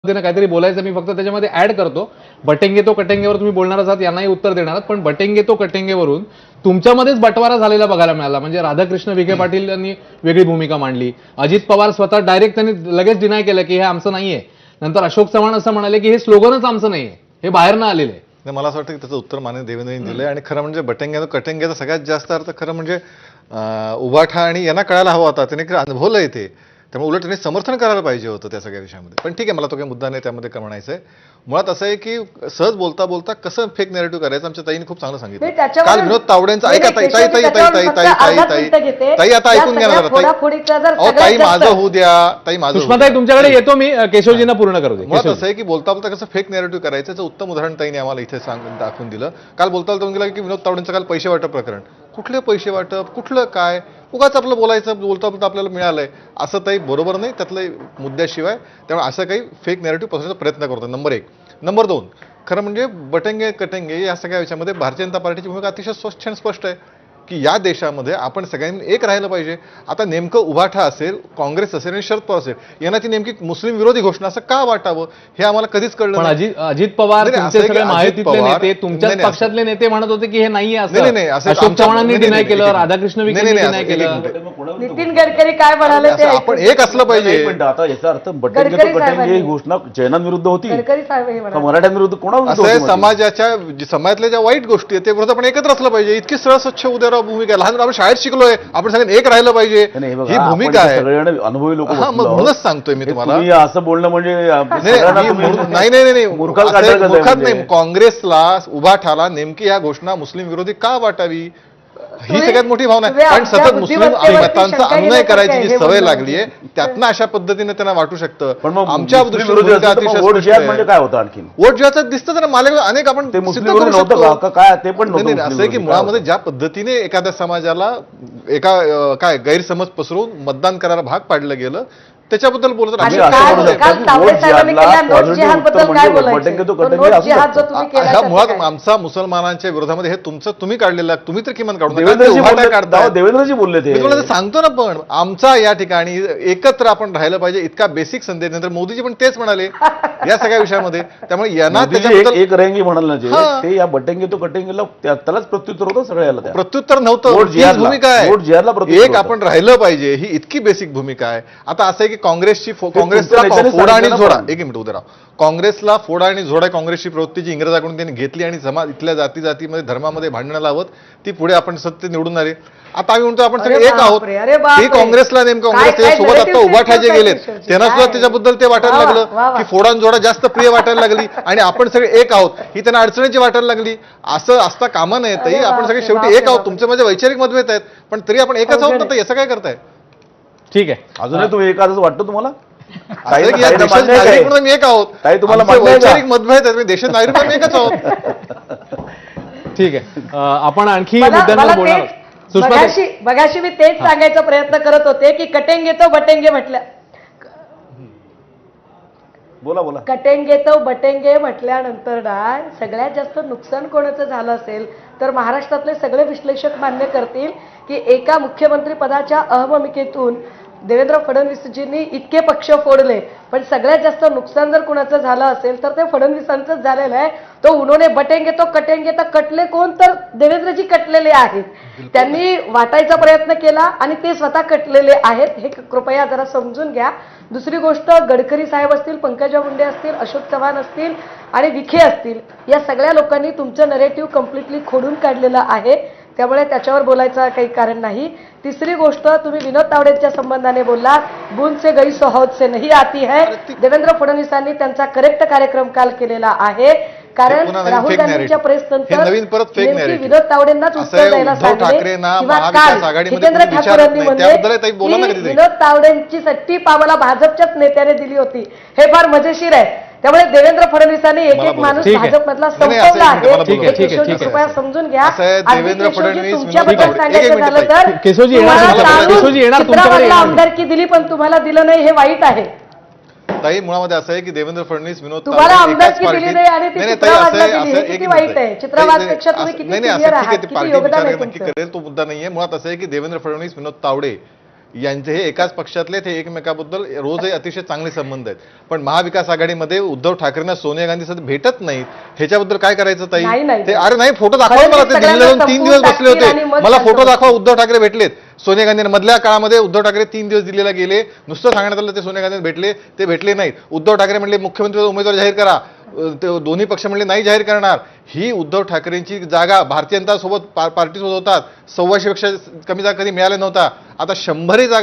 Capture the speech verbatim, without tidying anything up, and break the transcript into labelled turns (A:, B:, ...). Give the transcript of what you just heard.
A: पद्धतीने काहीतरी बोलायचं, मी फक्त त्याच्यामध्ये ऍड करतो. बटेंगे तो कटेंगेवर तुम्ही बोलणार आहात, यांनाही उत्तर देणार आहात, पण बटेंगे तो कटेंगेवरून तुमच्यामध्येच बटवारा झालेला बघायला मिळाला. म्हणजे राधाकृष्ण विखे पाटील यांनी वेगळी भूमिका मांडली, अजित पवार स्वतः डायरेक्ट त्यांनी लगेच डिनाय केलं की हे आमचं नाहीये. नंतर अशोक चव्हाण असं म्हणाले की हे स्लोगनच आमचं नाहीये, हे बाहेरनं आलेलं आहे.
B: मला असं वाटतं की त्याचं उत्तर माननीय देवेंद्रजींनी दिलंय. आणि खरं म्हणजे बटेंगे कटेंगेचा सगळ्यात जास्त अर्थ खरं म्हणजे उभाठा आणि यांना कळायला हवा होता, त्याने अनुभवलंय ते, त्यामुळे उलट त्यांनी समर्थन करायला पाहिजे होतं त्या सगळ्या विषयामध्ये. पण ठीक आहे, मला तो काही मुद्दा नाही त्यामध्ये म्हणायचं आहे. मुळात असं आहे की सहज बोलता बोलता कसं फेक नेरेटिव्ह करायचं आमच्या ताईने खूप चांगलं सांगितलं. काल विनोद तावडेंचा ऐका ताई ताई ताई ताई ताई ताई ताई ताई ताई आता ऐकून घ्या ना ताई. ताई माझं होऊ द्या, ताई माझं.
A: सुषमाताई तुमच्याकडे येतो मी, केशवजींना पूर्ण करू दे.
B: मुळात असं आहे की बोलता बोलता कसं फेक नेरेटिव्ह करायचं याचं उत्तम उदाहरण ताईने आम्हाला इथे सांगून दाखवून दिलं. काल बोलता बोलता गेला की विनोद तावडेंचं काल पैसे वाटप प्रकरण, कुठले पैसे वाटप, कुठलं काय, उगाच आपलं बोलायचं, बोलता बोलता आपल्याला मिळालंय असं ताई बरोबर नाही, त्यातलं मुद्द्याशिवाय. त्यामुळे असं काही फेक नेरेटिव्ह पसरवण्याचा प्रयत्न करतो, नंबर एक. नंबर दोन, खरं म्हणजे बटेंगे कटेंगे या सगळ्या विषयामध्ये भारतीय जनता पार्टीची भूमिका अतिशय स्वच्छ आणि स्पष्ट आहे की या देशामध्ये आपण सगळ्यांनी एक राहिलं पाहिजे. आता नेमकं उभाठा असेल, काँग्रेस असेल आणि शरद पवार असेल, यांना ती नेमकी मुस्लिम विरोधी घोषणा असं का वाटावं हे आम्हाला कधीच कळलं
A: नाही. अजित अजित पवार महायुतीतले नेते, तुमच्याच पक्षातले नेते म्हणत होते की हे नाहीये असं.
B: नाही नाही,
A: अशोक चव्हाणांनी डिनाय केलं, राधाकृष्ण विखेंनी डिनाय केलं,
C: नितीन गडकरी काय म्हणाले ते
B: आपण एक असलं पाहिजे.
D: पण आता याचा अर्थ बटेंगे तो कटेंगे ही घोषणा जैनांविरुद्ध होती,
C: गडकरी साहेब हे म्हणाले
D: मराठ्यांविरुद्ध कोणाविरुद्ध
B: असं
D: होती?
B: समाजाच्या समाजातल्या ज्या वाईट गोष्टी आहेत ते विरोधात आपण एकत्र असलं पाहिजे. इतकी सरळ स्वच्छ उद्या भूमिका, लहान आपण शाळेत शिकलोय, आपण सगळ्यांनी एक राहिलं पाहिजे ही भूमिका आहे.
D: सगळ्यांना अनुभवी लोक
B: म्हणूनच सांगतोय मी तुम्हाला,
D: असं बोलणं म्हणजे
B: नाही नाही नाही मूर्खात नाही. काँग्रेसला उभाठाला नेमकी या घोषणा मुस्लिम विरोधी का वाटावी ही सगळ्यात मोठी भावना आहे. कारण सतत मुस्लिम मतांचा अनुनय करायची जी सवय लागली आहे त्यातनं अशा पद्धतीने त्यांना वाटू शकतं.
D: पण मग
B: आमच्या दृष्टीने
D: वोट जिहाद म्हणजे काय होतं? आणखी
B: वोट जिहादचं दिसतं ना मला अनेक आपण
D: ते मुस्लिम नव्हतं का काय ते पण
B: नाही. असं आहे की मुळामध्ये ज्या पद्धतीने एखाद्या समाजाला एका काय गैरसमज पसरून मतदान करायला भाग पाडलं गेलं त्याच्याबद्दल बोलत मुळात आमचा मुसलमानांच्या विरोधामध्ये हे तुमचं तुम्ही काढलेलं, तुम्ही तर किमान काढून
D: देवेंद्रजी बोलले ते
B: सांगतो ना. पण आमचा या ठिकाणी एकत्र आपण राहिलं पाहिजे इतका बेसिक संदेश नंतर मोदीजी पण तेच म्हणाले या सगळ्या विषयामध्ये. त्यामुळे यांना
D: एक रेंगी म्हणाल ना जे ते या बटेंगे तो कटेंगेला त्यालाच प्रत्युत्तर होतं सगळ्याला.
B: प्रत्युत्तर नव्हतं, भूमिका आहे एक आपण राहिलं पाहिजे ही इतकी बेसिक भूमिका आहे. आता असं आहे की काँग्रेसची काँग्रेसला फोडा आणि झोडा एक मिनिट उद्या राव काँग्रेसला फोडा आणि झोडा काँग्रेसची प्रवृत्ती जी इंग्रजाकडून त्यांनी घेतली आणि समाज इथल्या जाती जातीमध्ये धर्मामध्ये भांडणं लावत ती पुढे आपण सत्य निवडून आले. आता आम्ही म्हणतो आपण सगळे एक आहोत. ही काँग्रेसला नेमकं काँग्रेस सोबत आता उभाठा जे गेलेत त्यांना सुद्धा त्याच्याबद्दल ते वाटायला लागलं की फोडा आणि झोडा जास्त प्रिय वाटायला लागली आणि आपण सगळे एक आहोत ही त्यांना अडचणीची वाटायला लागली. असं असता कामा नये ताई, आपण सगळे शेवटी एक आहोत. तुमचे माझे वैचारिक मतभेद आहेत पण तरी आपण एकच आहोत ना, याचं काय करताय?
A: ठीक आहे,
D: अजूनही तुम्ही एकाच वाटतं तुम्हाला?
B: म्हणून एक आहोत,
D: तुम्हाला
B: वैचारिक मतभेद आहेत, देशात नागरिक म्हणून एकच आहोत.
A: ठीक आहे, आपण आणखी मुद्द्यांवर बोलणार.
C: मगाशी मगाशी मी तेच सांगायचा प्रयत्न करत होते की कटेंगे तो बटेंगे म्हटलं,
D: बोला बोला
C: कटेंगे तो बटेंगे म्हटल्यानंतर ना सगळ्यात जास्त नुकसान कोणाचं झालं असेल तर महाराष्ट्रातले सगळे विश्लेषक मान्य करतील की एका मुख्यमंत्री पदाच्या अहममिकेतून देवेंद्र फडणवीसजींनी इतके पक्ष फोडले पण सगळ्यात जास्त नुकसान जर कुणाचं झालं असेल तर ते फडणवीसांचंच झालेलं आहे. तो उन्होंने बटेंगे तो कटेंगे तर कटले कोण तर देवेंद्रजी कटलेले आहेत. त्यांनी वाटायचा प्रयत्न केला आणि ते स्वतः कटलेले आहेत, हे कृपया जरा समजून घ्या. दुसरी गोष्ट, गडकरी साहेब असतील, पंकजा मुंडे असतील, अशोक चव्हाण असतील आणि विखे असतील, या सगळ्या लोकांनी तुमचं नरेटिव्ह कम्प्लिटली खोडून काढलेलं आहे, त्यामुळे त्याच्यावर बोलायचं काही कारण नाही. तिसरी गोष्ट, तुम्ही विनोद तावडेंच्या संबंधाने बोललात, बूंद से गई सो हौद से नहीं आती है. देवेंद्र फडणवीसांनी त्यांचा करेक्ट कार्यक्रम काल केलेला आहे कारण राहुल गांधींच्या प्रेस नंतर विनोद तावडेंनाच उत्तर द्यायला सांगितले किंवा काल जितेंद्र ठाकूरांनी म्हणले विनोद तावडेंची सट्टी आम्हाला भाजपच्याच नेत्याने दिली होती. हे फार मजेशीर आहे. त्यामुळे देवेंद्र फडणवीसांनी एक एक माणूस भाजपमधला संपवला आहे. कृपया समजून घ्या.
B: देवेंद्र फडणवीस
C: तुमच्याबद्दल सांगायचं झालं तर चित्रावाला आमदारकी दिली पण तुम्हाला दिलं नाही, हे वाईट आहे.
B: ताई मुळामध्ये असं आहे की देवेंद्र फडणवीस विनोद
C: तुम्हाला आमदारकी दिली नाही आणि ती चित्रावादला दिली, हे किती वाईट आहे. चित्रावादपेक्षा तुम्ही किती सिनियर आहात, किती योगदान आहे तुमचं.
B: करेल तो मुद्दा नाहीये. मुळात असं आहे की देवेंद्र फडणवीस विनोद तावडे यांचे हे एकाच पक्षातले ते एकमेकाबद्दल रोजही अतिशय चांगले संबंध आहेत. पण महाविकास आघाडीमध्ये उद्धव ठाकरेंना सोनिया गांधी सध्या भेटत नाहीत. ह्याच्याबद्दल काय करायचं ताई?
C: नाही, नाही.
B: ते अरे नाही, फोटो दाखवा
C: फडणवीस
B: मला. ते दिल्लीला जाऊन तीन दिवस
C: सगळ्यांना
B: बसले
C: संपवून
B: होते.
C: टाकतील आणि
B: मला
C: मग
B: फोटो
C: शांत
B: दाखवा. उद्धव ठाकरे भेटलेत सोनिया गांधी. मधल्या काळामध्ये उद्धव ठाकरे तीन दिवस दिल्लीला गेले, नुसतं सांगण्यात आलं ते सोनिया गांधी भेटले, ते भेटले नाहीत. उद्धव ठाकरे म्हणले मुख्यमंत्री उमेदवार जाहीर करा, ते दोन्ही पक्ष म्हणले नाही जाहीर करणार. ही उद्धव ठाकरेंची जागा भारतीय जनता सोबत पार्टीसोबत होतात. सव्वाशे पेक्षा कमी जागा कधी मिळाल्या नव्हता. आता शंभरही जागा